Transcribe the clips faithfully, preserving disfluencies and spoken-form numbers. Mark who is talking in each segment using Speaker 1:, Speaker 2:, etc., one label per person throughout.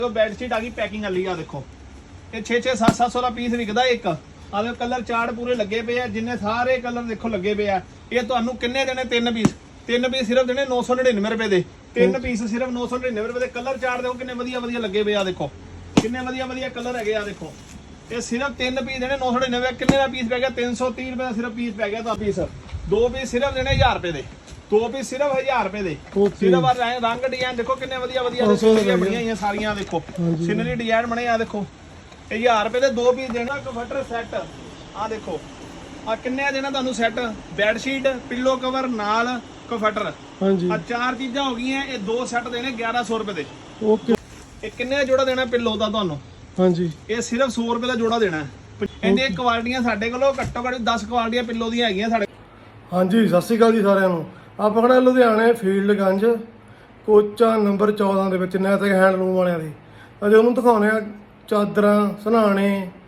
Speaker 1: bedsheet आ गई packing वाली आ देखो ये छे छे सत्त सत्त सौ का पीस विकदा एक आ कलर चार्ट पूरे लगे पे जिन्ने सारे कलर देखो लगे पे ये तुहानू किन्ने देने तीन पीस तीन पीस सिर्फ देने नौ सौ नड़िनवे रुपए दे तीन पीस सिर्फ नौ सौ नड़िनवे रुपए दे कलर चार्ट देखो किन्ने वधिया वधिया लगे पे आ देखो किन्ने वधिया वधिया कलर है आ देखो ये सिर्फ तीन पीस देने नौ सौ नड़िनवे किन्ने का पीस पै गया तीन सौ तीह रुपए का सिर्फ पीस पै गया पीस दो पीस सिर्फ देने हजार रुपए दे दो पीस सिर्फ हजार रुपए दे सिर्फ रंग डिजाइन देखो किन्ने वधिया वधिया बनिया सारियां देखो सीनरी डिजाइन बने आ देखो हजार रुपए दे दो पीस देना कन्वर्टर सैट आ देखो आ किन्ने देना तुहानू सैट बैडशीट पिलो कवर नाल कन्वर्टर हां जी आ चार चीजां हो गईयां ये दो सैट देने ग्यारह सौ रुपए दे ओके ये किन्ने जोड़ा देना पिलो दा तुहानू हां जी ये सिर्फ सौ रुपए दा जोड़ा देना इहदी क्वालिटियां साडे कोलों घट्टो घੱਟ दस क्वालिटियां पिलो दी हैगियां साडे
Speaker 2: हां जी सत श्री अकाल जी सारिਆਂ ਨੂੰ ਆਪਾਂ ਖੜਾ ਲੁਧਿਆਣੇ ਫੀਲਡਗੰਜ ਕੋਚਾ ਨੰਬਰ चौदह ਦੇ ਵਿੱਚ ਨੈਤਿਕ ਹੈਂਡਲੂਮ ਵਾਲਿਆਂ ਦੀ ਅਜੇ ਉਹਨੂੰ ਦਿਖਾਉਣੇ ਆ ਚਾਦਰਾਂ ਸਨਾਣੇ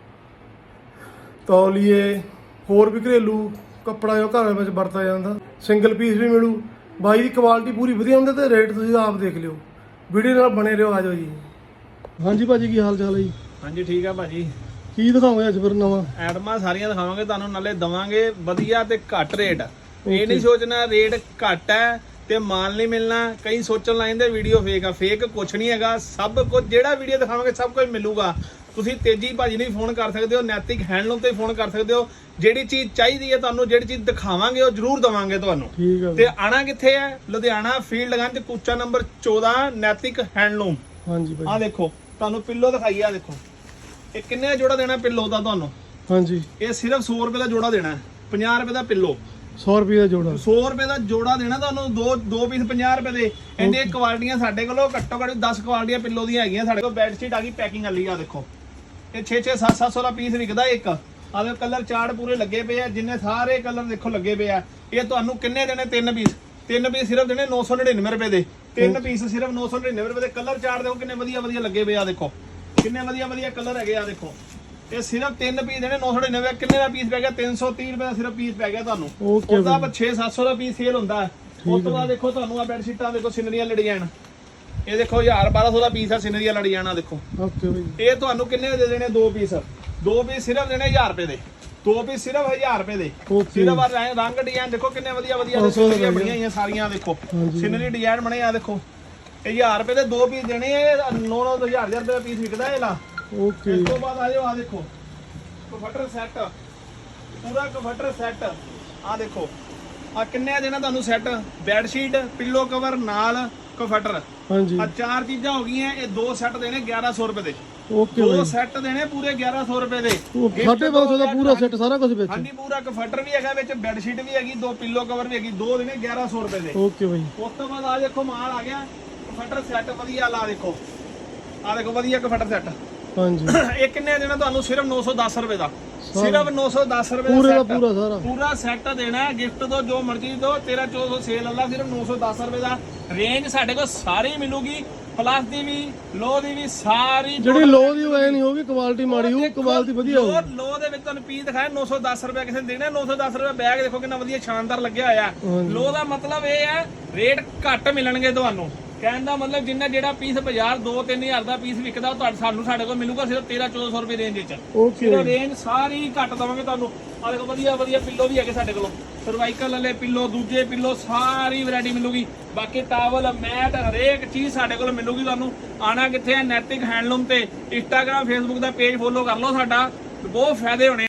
Speaker 2: ਤੌਲੀਏ ਹੋਰ ਵੀ ਘਰੇਲੂ ਕੱਪੜਾ ਜੋ ਘਰ ਵਿੱਚ ਵਰਤਿਆ ਜਾਂਦਾ ਸਿੰਗਲ ਪੀਸ ਵੀ ਮਿਲੂ ਬਾਈ ਦੀ ਕੁਆਲਿਟੀ ਪੂਰੀ ਵਧੀਆ ਹੁੰਦੀ ਤੇ ਰੇਟ ਤੁਸੀਂ ਆਪ ਦੇਖ ਲਿਓ ਵੀਡੀਓ ਨਾਲ ਬਣੇ ਰਹੋ ਆਜੋ ਜੀ ਹਾਂਜੀ ਭਾਜੀ ਕੀ ਹਾਲ ਚਾਲ ਹੈ ਜੀ
Speaker 1: ਹਾਂਜੀ ਠੀਕ ਆ ਭਾਜੀ
Speaker 2: ਕੀ ਦਿਖਾਓਗੇ ਅੱਜ ਫਿਰ ਨਵਾਂ
Speaker 1: ਐਡਮਾਂ ਸਾਰੀਆਂ ਦਿਖਾਵਾਂਗੇ ਤੁਹਾਨੂੰ ਨਾਲੇ ਦਵਾਂਗੇ ਵਧੀਆ ਤੇ ਘੱਟ ਰੇਟ ਇਹ ਨਹੀਂ ਸੋਚਣਾ ਰੇਟ ਘੱਟ ਹੈ ਤੇ ਮਾਲ ਨਹੀਂ ਮਿਲਣਾ ਕਈ ਸੋਚਣ ਲਾਇੰਦੇ ਵੀਡੀਓ ਫੇਕ ਆ ਫੇਕ ਕੁਛ ਨਹੀਂ ਹੈਗਾ ਸਭ ਕੁਝ ਜਿਹੜਾ ਵੀਡੀਓ ਦਿਖਾਵਾਂਗੇ ਸਭ ਕੁਝ ਮਿਲੂਗਾ ਤੁਸੀਂ ਤੇਜੀ ਭਾਜੀ ਨੂੰ ਫੋਨ ਕਰ ਸਕਦੇ ਹੋ ਨੈਤਿਕ ਹੈਂਡਲੂਮ ਤੇ ਫੋਨ ਕਰ ਸਕਦੇ ਹੋ ਜਿਹੜੀ ਚੀਜ਼ ਚਾਹੀਦੀ ਹੈ ਤੁਹਾਨੂੰ ਜਿਹੜੀ ਚੀਜ਼ ਦਿਖਾਵਾਂਗੇ ਉਹ ਜ਼ਰੂਰ ਦਵਾਂਗੇ ਤੁਹਾਨੂੰ ਤੇ ਆਣਾ ਕਿੱਥੇ ਹੈ ਲੁਧਿਆਣਾ ਫੀਲਡਗੰਜ ਕੁਚਾ ਨੰਬਰ चौदह ਨੈਤਿਕ ਹੈਂਡਲੂਮ
Speaker 2: ਹਾਂਜੀ ਭਾਈ
Speaker 1: ਆ ਦੇਖੋ ਤੁਹਾਨੂੰ ਪਿੱਲੋ ਦਿਖਾਈ ਆ ਦੇਖੋ ਇਹ ਕਿੰਨੇ ਜੋੜਾ ਦੇਣਾ ਪਿੱਲੋ ਦਾ ਤੁਹਾਨੂੰ
Speaker 2: ਹਾਂਜੀ
Speaker 1: ਇਹ ਸਿਰਫ सौ रुपए ਦਾ ਜੋੜਾ ਦੇਣਾ ਪੰਜਾਹ रुपए ਦਾ ਪਿੱਲੋ
Speaker 2: सौ रुपए ਦਾ ਜੋੜਾ
Speaker 1: सौ रुपए ਦਾ ਜੋੜਾ ਦੇਣਾ ਤੁਹਾਨੂੰ ਦੋ ਦੋ ਪੀਸ ਪੰਜਾਹ रुपए ਦੇ ਇਹਦੇ ਕੁਆਲਿਟੀਆਂ ਸਾਡੇ ਕੋਲੋਂ ਘੱਟੋ ਘੱਟ ਦਸ ਕੁਆਲਿਟੀਆਂ ਪਿੱਲੋ ਦੀਆਂ ਹੈਗੀਆਂ ਸਾਡੇ ਕੋਲ ਬੈਡਸ਼ੀਟ ਆ ਗਈ ਪੈਕਿੰਗ ਵਾਲੀ ਆ ਦੇਖੋ ਇਹ ਛੇ ਛੇ ਸੱਤ ਸੱਤ ਸੌ ਦਾ ਪੀਸ ਵਿਕਦਾ ਇੱਕ ਆ ਦੇ ਕਲਰ ਚਾਰਟ ਪੂਰੇ ਲੱਗੇ ਪਏ ਆ ਜਿੰਨੇ ਸਾਰੇ ਕਲਰ ਦੇਖੋ ਲੱਗੇ ਪਏ ਆ ਇਹ ਤੁਹਾਨੂੰ ਕਿੰਨੇ ਦੇਣੇ ਤਿੰਨ ਪੀਸ ਤਿੰਨ ਪੀਸ ਸਿਰਫ ਦੇਣੇ ਨौ सौ नड़िनवे रुपए ਦੇ ਤਿੰਨ ਪੀਸ ਸਿਰਫ नौ सौ नड़िनवे रुपए ਦੇ ਕਲਰ ਚਾਰਟ ਦੇਖੋ ਕਿੰਨੇ ਵਧੀਆ ਵਧੀਆ ਲੱਗੇ ਪਏ ਆ ਦੇਖੋ ਕਿੰਨੇ ਵਧੀਆ ਵਧੀਆ ਕਲਰ ਹੈਗੇ ਆ ਦੇਖੋ ਇਹ ਸਿਰਫ ਤਿੰਨ ਪੀਸ ਦੇਣੇ नौ सौ नड़िनवे ਕਿੰਨੇ ਦਾ ਪੀਸ ਪੈ ਗਿਆ तीन सौ तीह रुपए ਦਾ ਸਿਰਫ ਪੀਸ ਪੈ ਗਿਆ ਤੁਹਾਨੂੰ ਉਹਦਾ छह सत्त सौ ਦਾ ਪੀਸ ਸੇਲ ਹੁੰਦਾ ਉਸ ਤੋਂ ਬਾਅਦ ਦੇਖੋ ਤੁਹਾਨੂੰ ਆ ਬੈਡਸ਼ੀਟਾਂ ਦੇਖੋ ਸਿਨਰੀਆਂ ਲੜੀਆਂ ਇਹ ਦੇਖੋ ਹਜ਼ਾਰ ਬਾਰਾਂ ਸੌ ਦਾ ਪੀਸ ਆ ਸਿਨਰੀਆਂ ਲੜੀਆਂ ਦੇਖੋ ਓਕੇ ਬਈ ਇਹ ਤੁਹਾਨੂੰ ਕਿੰਨੇ ਦੇ ਦੇਣੇ ਦੋ ਪੀਸ ਦੋ ਪੀਸ ਸਿਰਫ ਦੇਣੇ ਹਜ਼ਾਰ ਰੁਪਏ ਦੇ ਦੋ ਪੀਸ ਸਿਰਫ ਹਜ਼ਾਰ ਰੁਪਏ ਦੇ ਸਿਰਫ ਰੰਗ ਡਿਜ਼ਾਈਨ ਦੇਖੋ ਕਿੰਨੇ ਵਧੀਆ ਵਧੀਆ ਸਿਨਰੀਆਂ ਬਣੀਆਂ ਹੋਈਆਂ ਸਾਰੀਆਂ ਦੇਖੋ ਸਿਨਰੀ ਡਿਜ਼ਾਈਨ ਬਣੇ ਆ ਦੇਖੋ ਇਹ ਹਜ਼ਾਰ ਰੁਪਏ ਦੇ ਦੋ ਪੀਸ ਦੇਣੇ ਆ ਨੌ ਨੌ ਹਜ਼ਾਰ ਹਜ਼ਾਰ ਰੁਪਏ ਦਾ ਪੀਸ ਵਿਕਦਾ ਇਹ ਲਾ ਓਕੇ ਇਸ ਤੋਂ ਬਾਅਦ ਆ ਜਾਓ ਆ ਦੇਖੋ ਕਨਵਰਟਰ ਸੈੱਟ ਪੂਰਾ ਕਨਵਰਟਰ ਸੈੱਟ ਆ ਦੇਖੋ ਆ ਕਿੰਨੇ ਦੇਣਾ ਤੁਹਾਨੂੰ ਸੈੱਟ ਬੈਡਸ਼ੀਟ ਪਿੱਲੋ ਕਵਰ ਨਾਲ ਕਨਵਰਟਰ ਹਾਂਜੀ ਆ ਚਾਰ ਚੀਜ਼ਾਂ ਹੋ ਗਈਆਂ ਇਹ ਦੋ ਸੈੱਟ ਦੇਣੇ ग्यारह सौ रुपए ਦੇ ਓਕੇ ਦੋ ਸੈੱਟ ਦੇਣੇ ਪੂਰੇ ग्यारह सौ रुपए ਦੇ
Speaker 2: ਸਾਢੇ ਪੰਜ ਸੌ ਦਾ ਪੂਰਾ ਸੈੱਟ ਸਾਰਾ ਕੁਝ ਵਿੱਚ
Speaker 1: ਹਾਂਜੀ ਪੂਰਾ ਕਨਵਰਟਰ ਵੀ ਹੈਗਾ ਵਿੱਚ ਬੈਡਸ਼ੀਟ ਵੀ ਹੈਗੀ ਦੋ ਪਿੱਲੋ ਕਵਰ ਵੀ ਹੈਗੀ ਦੋ ਦੇਣੇ ग्यारह सौ रुपए ਦੇ
Speaker 2: ਓਕੇ ਬਾਈ
Speaker 1: ਉਸ ਤੋਂ ਬਾਅਦ ਆ ਦੇਖੋ ਮਾਲ ਆ ਗਿਆ ਕਨਵਰਟਰ ਸੈੱਟ ਵਧੀਆ ਲਾ ਦੇਖੋ ਆ ਦੇਖੋ ਵਧੀਆ ਕਨਵਰਟਰ ਸੈੱਟ ਹਾਂਜੀ ਇਹ ਕਿੰਨੇ ਦੇਣਾ ਤੁਹਾਨੂੰ ਸਿਰਫ नौ सौ दस रुपए ਦਾ ਸਿਰਫ नौ सौ दस रुपए ਦਾ
Speaker 2: ਪੂਰਾ ਪੂਰਾ ਸਾਰਾ
Speaker 1: ਪੂਰਾ ਸੈੱਟ ਦੇਣਾ ਗਿਫਟ ਦੋ ਜੋ ਮਰਜ਼ੀ ਦੋ तेरह चौदह सौ ਸੇਲ ਅੱਲਾ ਸਿਰਫ नौ सौ दस रुपए ਦਾ ਰੇਂਜ ਸਾਡੇ ਕੋਲ ਸਾਰੀ ਮਿਲੂਗੀ ਪਲੱਸ ਦੀ ਵੀ ਲੋ ਦੀ ਵੀ ਸਾਰੀ
Speaker 2: ਜਿਹੜੀ ਲੋ ਦੀ ਹੋਏ ਨਹੀਂ ਹੋਗੀ ਕੁਆਲਿਟੀ ਮਾੜੀ ਹੋ ਕੁਆਲਿਟੀ ਵਧੀਆ ਹੋ
Speaker 1: ਲੋ ਦੇ ਵਿੱਚ ਤੁਹਾਨੂੰ ਪੀਸ ਦਿਖਾਇਆ नौ सौ दस रुपए ਕਿਸੇ ਨੇ ਦੇਣਾ नौ सौ दस रुपए ਬੈਗ ਦੇਖੋ ਕਿੰਨਾ ਵਧੀਆ ਸ਼ਾਨਦਾਰ ਲੱਗਿਆ ਹੋਇਆ ਲੋ ਦਾ ਮਤਲਬ ਇਹ ਹੈ ਰੇਟ ਘੱਟ ਮਿਲਣਗੇ ਤੁਹਾਨੂੰ ਕਹਿਣ ਦਾ ਮਤਲਬ ਜਿੰਨਾ ਜਿਹੜਾ ਪੀਸ ਬਾਜ਼ਾਰ ਦੋ ਤਿੰਨ ਹਜ਼ਾਰ ਦਾ ਪੀਸ ਵਿਕਦਾ ਉਹ ਤੁਹਾਡੇ ਸਾਨੂੰ ਸਾਡੇ ਕੋਲ ਮਿਲੂਗਾ ਸਿਰਫ तेरह चौदह सौ रुपए ਰੇਂਜ ਵਿੱਚ ਸਿਰਫ ਰੇਂਜ ਸਾਰੀ ਘੱਟ ਦਵਾਂਗੇ ਤੁਹਾਨੂੰ ਆ ਦੇਖੋ ਵਧੀਆ ਵਧੀਆ ਪਿੱਲੋ ਵੀ ਹੈਗੇ ਸਾਡੇ ਕੋਲ ਸਰਵਾਈਕਲ ਵਾਲੇ ਪਿੱਲੋ ਦੂਜੇ ਪਿੱਲੋ ਸਾਰੀ ਵੈਰਾਈਟੀ ਮਿਲੂਗੀ ਬਾਕੀ ਟਾਵਲ ਮੈਟ ਹਰੇਕ ਚੀਜ਼ ਸਾਡੇ ਕੋਲ ਮਿਲੂਗੀ ਤੁਹਾਨੂੰ ਆਣਾ ਕਿੱਥੇ ਹੈ ਨੈਤਿਕ ਹੈਂਡਲੂਮ ਤੇ ਇੰਸਟਾਗ੍ਰਾਮ ਫੇਸਬੁੱਕ ਦਾ ਪੇਜ ਫੋਲੋ ਕਰ ਲਓ ਸਾਡਾ ਬਹੁਤ ਫਾਇਦੇ ਹੋਣੇ